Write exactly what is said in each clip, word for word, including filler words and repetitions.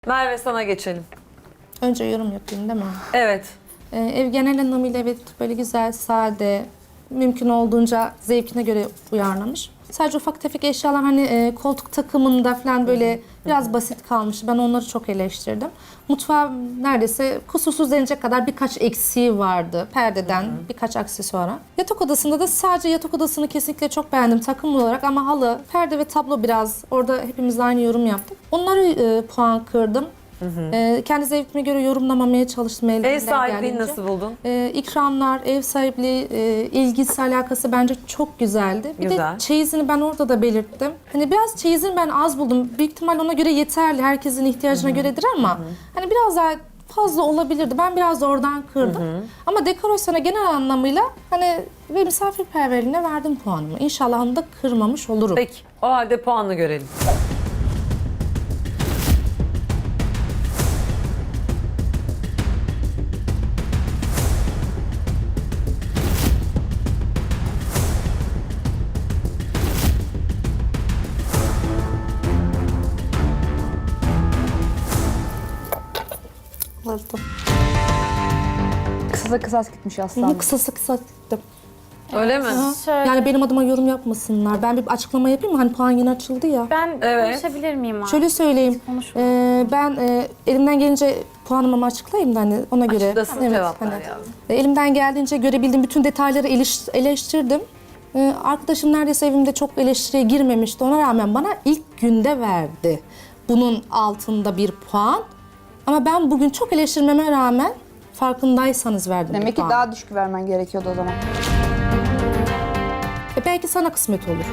Merve sana geçelim. Önce yorum yapayım değil mi? Evet. Ee, ev genel anlamıyla evet böyle güzel, sade, mümkün olduğunca zevkine göre uyarlamış. Sadece ufak tefek eşyalar hani e, koltuk takımında falan böyle biraz basit kalmış. Ben onları çok eleştirdim. Mutfağı neredeyse kusursuz denecek kadar birkaç eksiği vardı. Perdeden birkaç aksesuara. Yatak odasında da sadece yatak odasını kesinlikle çok beğendim takım olarak ama halı, perde ve tablo biraz orada hepimiz aynı yorum yaptık. Onları e, puan kırdım. Hı hı. E, kendi zevkime göre yorumlamamaya çalıştım. Ev sahipliğini nasıl buldun? E, ikramlar, ev sahipliği, e, ilgisi, alakası bence çok güzeldi. Bir Güzel. de çeyizini ben orada da belirttim. Hani biraz çeyizini ben az buldum. Büyük ihtimal ona göre yeterli. Herkesin ihtiyacına hı hı. göredir ama hı hı. hani biraz daha fazla olabilirdi. Ben biraz da oradan kırdım. Hı hı. Ama dekorasyona genel anlamıyla hani ve misafirperverliğine verdim puanımı. İnşallah onu da kırmamış olurum. Peki. O halde puanını görelim. Aldım. Kısa kısas gitmiş Hı, aslında. Kısası kısa gittim. Öyle mi? Şöyle, Yani benim adıma yorum yapmasınlar. Ben bir açıklama yapayım mı? Hani puan yeni açıldı ya. ben Evet. konuşabilir miyim abi? Şöyle söyleyeyim. Konuşma. Ee, ben e, elimden gelince puanımı açıklayayım da hani ona göre. Açıklasın, cevap ver hani, yavrum. e, elimden geldiğince görebildiğim bütün detayları eleş- eleştirdim. Ee, arkadaşım neredeyse evimde çok eleştiriye girmemişti. Ona rağmen bana ilk günde verdi. Bunun altında bir puan. Ama ben bugün çok eleştirmeme rağmen farkındaysanız verdim Demek bir ki puan. daha düşük vermen gerekiyordu o zaman. E, belki sana kısmet olur.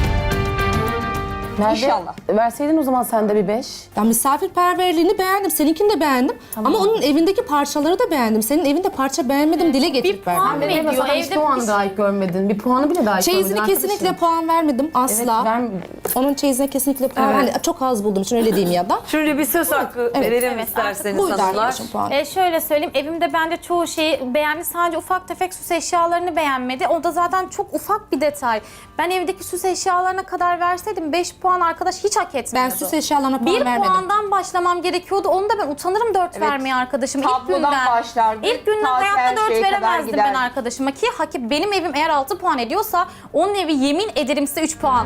İnşallah. Verseydin o zaman sen de bir beş. Ya misafirperverliğini beğendim, seninkini de beğendim. Ama onun evindeki parçaları da beğendim. Senin evinde parça beğenmedim, dile getirip puan verdim. Ne Benim diyor? mesela Evde hiç puan bir şey- dahi görmedin. Bir puanı bile dahi Çeyizine görmedin kesinlikle arkadaşım. puan vermedim asla. Evet, ver- Onun çeyizine kesinlikle puan Evet. hani çok az bulduğum için öyle diyeyim ya da. Şimdi bir söz hakkı Evet. verelim Evet, isterseniz Buyurun hanımlar. arkadaşım puan. E, şöyle söyleyeyim, evimde bence çoğu şeyi beğendi. Sadece ufak tefek süs eşyalarını beğenmedi. O da zaten çok ufak bir detay. Ben evdeki süs eşyalarına kadar verseydim beş puan arkadaş hiç hak Ben etmiyordu. süs eşyalarına puan bir vermedim. puandan başlamam gerekiyordu. Onu da ben utanırım dört Evet. vermeye arkadaşım. İlk Tablodan günden. başlardı, İlk günden ta hayatta her dört şeye kadar veremezdim ben gider. arkadaşıma ki hak benim evim eğer altı puan ediyorsa onun evi yemin ederim size üç puan.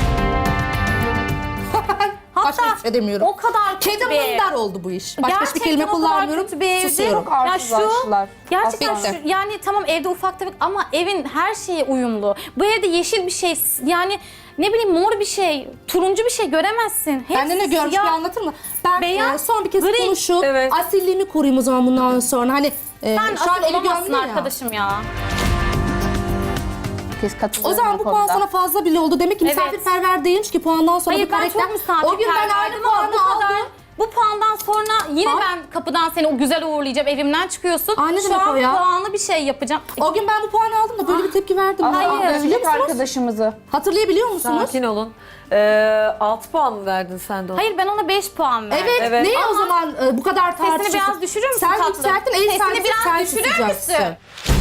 Başka hiçbir şey demiyorum. o kadar kötü Kedi bir ev. mındar oldu bu iş. Başka hiçbir Gerçekten kelime o kadar kullanmıyorum. kötü bir evdi. Susuyorum. Çok Ya şu arsızlaştılar. gerçekten Bitti. şu, yani tamam evde ufak tefek ama evin her şeyi uyumlu. Bu evde yeşil bir şey yani ne bileyim mor bir şey, turuncu bir şey göremezsin. Hepsi Ben de ne görmüş bir siyah. anlatır mı? Ben beyaz, e, son bir kez gri. konuşup Evet. asilliğimi koruyayım o zaman bundan sonra. Hani e, Sen şu an asil evi olamazsın gömdün ya. arkadaşım ya. Kes katılıyorum O zaman bu puan sana fazla bile oldu. Demek ki Evet. misafirperver değilmiş ki puandan sonra Hayır bu ben karakter. çok misafirperverdim O gün ben aynı ama puanı bu kadar. aldım. Bu puandan sonra yine Ha? ben kapıdan seni o güzel uğurlayacağım, evimden çıkıyorsun. Aa, ne Şu demek an o ya? puanlı bir şey yapacağım. O gün ben bu puanı aldım da böyle bir tepki verdim. Hayır. Aa, Hatırlıyor Dövecek musunuz? arkadaşımızı. Hatırlayabiliyor musunuz? Sakin olun. Ee, altı puan mı verdin sen de ona? Hayır ben ona beş puan verdim. Evet, Evet. neye o Ama zaman e, bu kadar Sesini tartışıyorsun? biraz düşürür müsün Sen tatlım? yükselttin, ev Sesini sahibi biraz sen düşürür tutacaksın. müsün?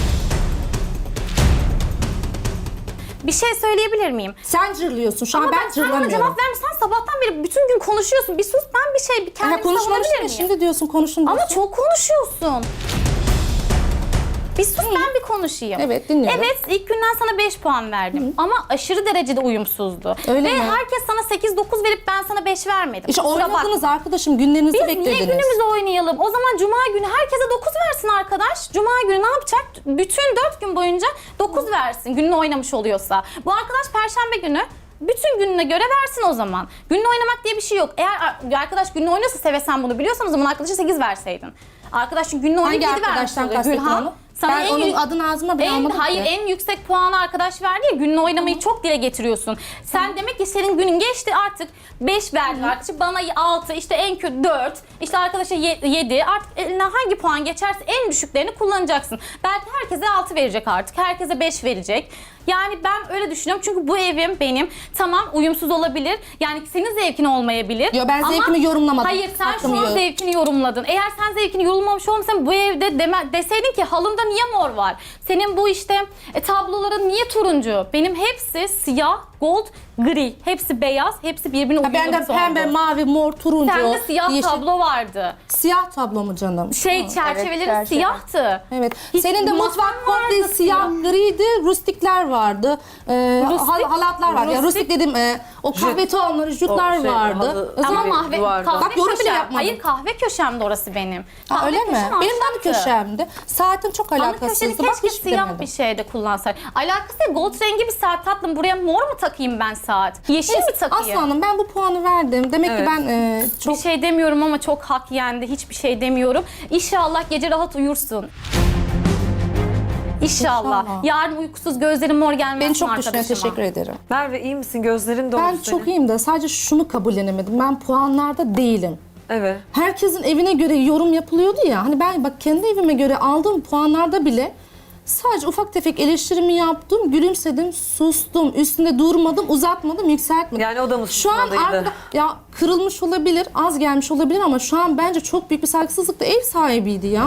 Bir şey söyleyebilir miyim? Sen cırlıyorsun. Şu an Ama ben ben sen bana cırlamıyorum. cevap vermişsen sabahtan beri bütün gün konuşuyorsun. Bir sus ben bir şey bir Ama kendimi konuşmamıştım savunabilir ya, miyim? şimdi diyorsun konuşun diyorsun. Ama çok konuşuyorsun. Bir sus ben bir konuşayım. Evet, dinliyorum. Evet ilk günden sana beş puan verdim. Ama aşırı derecede uyumsuzdu. Öyle Ve mi? herkes sana sekiz dokuz verip ben sana beş vermedim. İşte Kusura bakma. oynadınız arkadaşım, günlerinizi Biz beklediniz. niye günümüzü oynayalım? O zaman cuma günü herkese dokuz versin arkadaş. Cuma günü ne yapacak? Bütün dört gün boyunca dokuz versin gününü oynamış oluyorsa. Bu arkadaş perşembe günü bütün gününe göre versin o zaman. Gününü oynamak diye bir şey yok. Eğer arkadaş gününü oynasa seve sen bunu biliyorsan o zaman arkadaşa sekiz verseydin. Arkadaş çünkü gününü oynayıp Hangi yedi vermiş arkadaştan oluyor. kastettin Gülhan, onu? sana Ben en onun yü- adını ağzıma bile en, almadım hayır ki. en yüksek puanı arkadaş verdi ya gününü oynamayı çok dile getiriyorsun. Sen demek ki senin günün geçti artık beş verdi arkadaşı bana altı işte en kötü dört işte arkadaşa yedi artık eline hangi puan geçerse en düşüklerini kullanacaksın. Belki herkese altı verecek artık herkese beş verecek. Yani ben öyle düşünüyorum çünkü bu evim benim tamam uyumsuz olabilir yani senin zevkin olmayabilir. Yo, ben ama- zevkimi yorumlamadım. Hayır sen Hakkımı şu an yor- zevkini yorumladın. Eğer sen zevkini yorumlamış olmasan bu evde deme, deseydin ki halında niye mor var? Senin bu işte e, tabloların niye turuncu? Benim hepsi siyah gold, gri. Hepsi beyaz, hepsi birbirine Ha, uyumlu bende bir tondu. pembe, mavi, mor, turuncu, Sende siyah yeşil. tablo vardı. Siyah tablo mu canım? Şey çerçeveleri çerçeve. siyahtı. Evet. Hiç Senin de masan mutfak komple vardı siyah griydi, rustikler vardı. Ee, Rustik- hal- halatlar vardı. Ya, rustik- rustik dedim, e, o kahve tonları, jütler O şey, vardı. halı- Özel- Ama Tabii, kahve, duvarda. kahve Bak, yorum bile köşem. yapmadım. Hayır kahve köşemde orası benim. Ha, Kahve öyle mi? köşem Benim de ahşaptı. köşemdi. Saatim çok Ana köşeni alakasızdı. Bak keşke hiç siyah bilemedim. bir şeyde kullansaydı. Alakası yok. Gold rengi bir saat tatlım. Buraya mor mu takayım ben saat? Yeşil mi takayım? Aslanım ben bu puanı verdim. Demek Evet. ki ben e, çok Bir şey demiyorum ama çok hak yendi. Hiçbir şey demiyorum. İnşallah gece rahat uyursun. İnşallah. İnşallah. Yarın uykusuz gözlerim mor gelmez beni mi çok düşünüyor. arkadaşıma? Teşekkür ederim. Merve iyi misin? Gözlerin dolu Ben senin. çok iyiyim de sadece şunu kabullenemedim. Ben puanlarda değilim. Evet. Herkesin evine göre yorum yapılıyordu ya. Hani ben bak kendi evime göre aldığım puanlarda bile sadece ufak tefek eleştirimi yaptım, gülümsedim, sustum, üstünde durmadım, uzatmadım, yükseltmedim. Yani o da mı Şu an susmalıydı? arkada, ya kırılmış olabilir, az gelmiş olabilir ama şu an bence çok büyük bir saygısızlık da ev sahibiydi ya.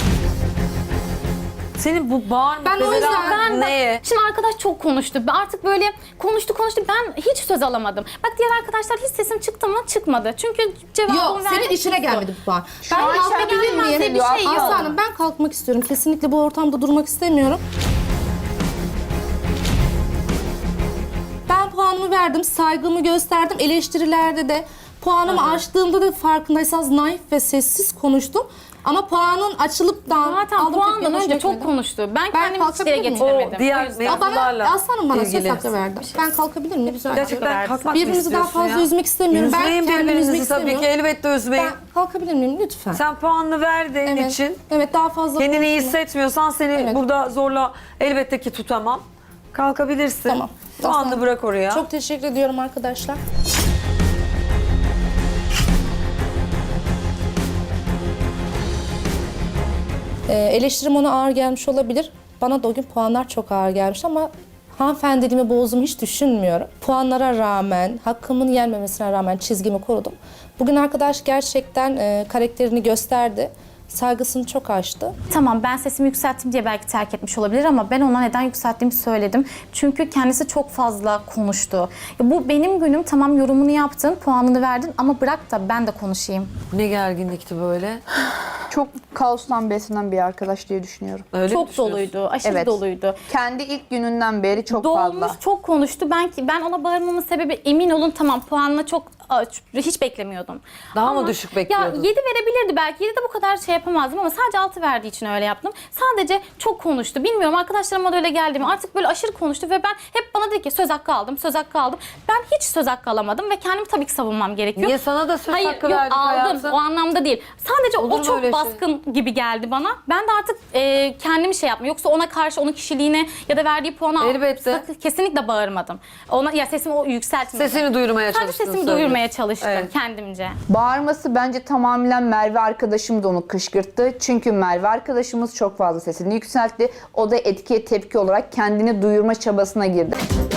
Senin bu bağırma Ben o bebelen yüzden- Ben bak, neye? şimdi arkadaş çok konuştu. Ben artık böyle konuştu konuştu. Ben hiç söz alamadım. Bak diğer arkadaşlar hiç sesim çıktı mı? Çıkmadı. Çünkü cevabımı Yok, verdim. senin işine gelmedi bu puan. Ben an kalkabilir işine miyim? gelmez bir şey yok. Aslanım ben kalkmak istiyorum. Kesinlikle bu ortamda durmak istemiyorum. Ben puanımı verdim, saygımı gösterdim. Eleştirilerde de puanımı açtığımda da farkındaysanız naif ve sessiz konuştum. Ama puanın açılıp da Zaten aldığım puandan tepkiyi önce hoş çok görmedim. konuştu. Ben, Ben kendimi hiç kalkabilir dile miyim? getiremedim. O diğer O yüzden- mevzu- Aa, bana, mevzularla aslanım bana ilgili. söz hakkı verdi. Ben kalkabilir miyim? Rica ediyorum. Gerçekten kalkmak mı Birbirimizi daha istiyorsun fazla ya? üzmek istemiyorum. Ben Üzmeyin kendimi üzmek birbirinizi tabii ki, istemiyorum. elbette üzmeyin. Ben kalkabilir miyim lütfen? Sen puanını verdiğin evet. için Evet, daha fazla kendini iyi konuşmayayım. hissetmiyorsan seni Evet. burada zorla elbette ki tutamam. Kalkabilirsin. Tamam. Puanını Aslan. bırak oraya. Çok teşekkür ediyorum arkadaşlar. Ee, eleştirim ona ağır gelmiş olabilir. Bana da o gün puanlar çok ağır gelmiş ama hanımefendiliğimi bozduğumu hiç düşünmüyorum. Puanlara rağmen, hakkımın yenmemesine rağmen çizgimi korudum. Bugün arkadaş gerçekten e, karakterini gösterdi. Saygısını çok aştı. Tamam ben sesimi yükselttim diye belki terk etmiş olabilir ama ben ona neden yükselttiğimi söyledim. Çünkü kendisi çok fazla konuştu. Ya bu benim günüm, tamam yorumunu yaptın, puanını verdin ama bırak da ben de konuşayım. Ne gerginlikti böyle. Çok kaostan beslenen bir arkadaş diye düşünüyorum. Öyle mi Çok düşünüyorsun? doluydu, aşırı Evet. doluydu. Kendi ilk gününden beri çok Dolmuş, fazla. çok konuştu. Ben ki ben ona bağırmamın sebebi, emin olun tamam puanını çok hiç beklemiyordum. Daha mı düşük bekliyordun? Ya yedi verebilirdi belki. yedi de bu kadar şey yapamazdım ama sadece altı verdiği için öyle yaptım. Sadece çok konuştu. Bilmiyorum arkadaşlarıma da öyle geldi mi? Artık böyle aşırı konuştu ve ben hep bana dedi ki söz hakkı aldım, söz hakkı aldım. Ben hiç söz hakkı alamadım ve kendimi tabii ki savunmam gerekiyor. Niye sana da söz Hayır, hakkı yok, verdik aldım. hayatım? O anlamda değil. Sadece Olur o mu çok öyle şey? baskın gibi geldi bana. Ben de artık e, kendimi şey yapmam. Yoksa ona karşı, onun kişiliğine ya da verdiği puana Elbette. sakın- kesinlikle bağırmadım. Ona ya sesimi o yükseltmedim. Sesini duyurmaya Sadece çalıştın. sesimi söylüyorsun. duyurmaya çalıştım Evet. kendimce. Bağırması bence tamamen Merve arkadaşım da onu kışkırttı. Çünkü Merve arkadaşımız çok fazla sesini yükseltti. O da etkiye tepki olarak kendini duyurma çabasına girdi.